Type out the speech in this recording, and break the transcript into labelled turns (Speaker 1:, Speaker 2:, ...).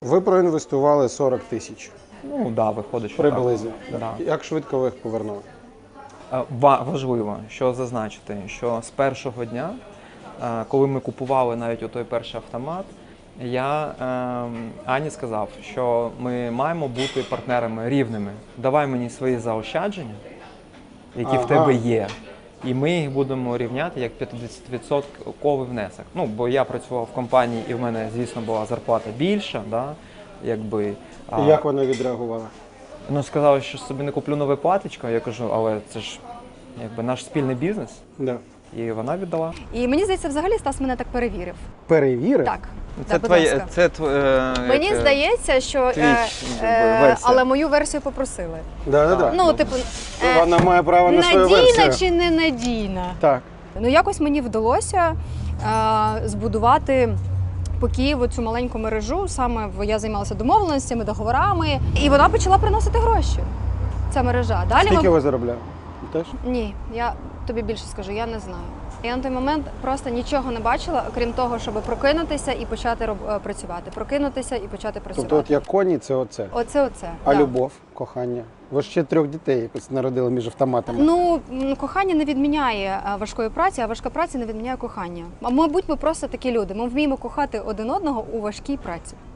Speaker 1: Ви проінвестували 40 тисяч
Speaker 2: Ну, так, да, виходить, що
Speaker 1: приблизно.
Speaker 2: так. Да.
Speaker 1: Як швидко ви їх повернули?
Speaker 2: Важливо, що зазначити, що з першого дня, коли ми купували навіть той перший автомат, я Ані сказав, що ми маємо бути партнерами рівними. Давай мені свої заощадження, які в тебе є, і ми їх будемо рівняти як 50% внесок. Ну, бо я працював в компанії, і в мене, звісно, була зарплата більша. Да? Якби,
Speaker 1: І як вона відреагувала?
Speaker 2: Ну, сказали, що собі не куплю нове платічко. Я кажу, але це ж якби наш спільний бізнес.
Speaker 1: Да.
Speaker 2: І вона віддала.
Speaker 3: І мені здається, взагалі Стас мене так перевірив.
Speaker 1: Перевірив?
Speaker 3: Так.
Speaker 2: Це
Speaker 3: будь
Speaker 2: твоє,
Speaker 3: ласка.
Speaker 2: це
Speaker 3: Мені здається, що
Speaker 2: версія.
Speaker 3: але мою версію попросили.
Speaker 1: Да.
Speaker 3: Ну, типу,
Speaker 1: Вона має право на свою
Speaker 3: надійна
Speaker 1: версію.
Speaker 3: чи не надійна?
Speaker 1: Так.
Speaker 3: Ну, якось мені вдалося збудувати по Києву цю маленьку мережу. Саме я займалася домовленостями, договорами, і вона почала приносити гроші. Ця мережа. Далі
Speaker 1: Скільки ви заробляли? Теж?
Speaker 3: Ні, я тобі більше скажу, я не знаю. Я на той момент просто нічого не бачила, окрім того, щоб прокинутися і почати працювати. Прокинутися і почати працювати.
Speaker 1: Тобто, от як коні, це оце.
Speaker 3: Оце.
Speaker 1: А
Speaker 3: да.
Speaker 1: любов, кохання? Ви ж ще 3 дітей якось народили між автоматами.
Speaker 3: Ну, кохання не відміняє важкої праці, а важка праця не відміняє кохання. А мабуть, ми просто такі люди. Ми вміємо кохати один одного у важкій праці.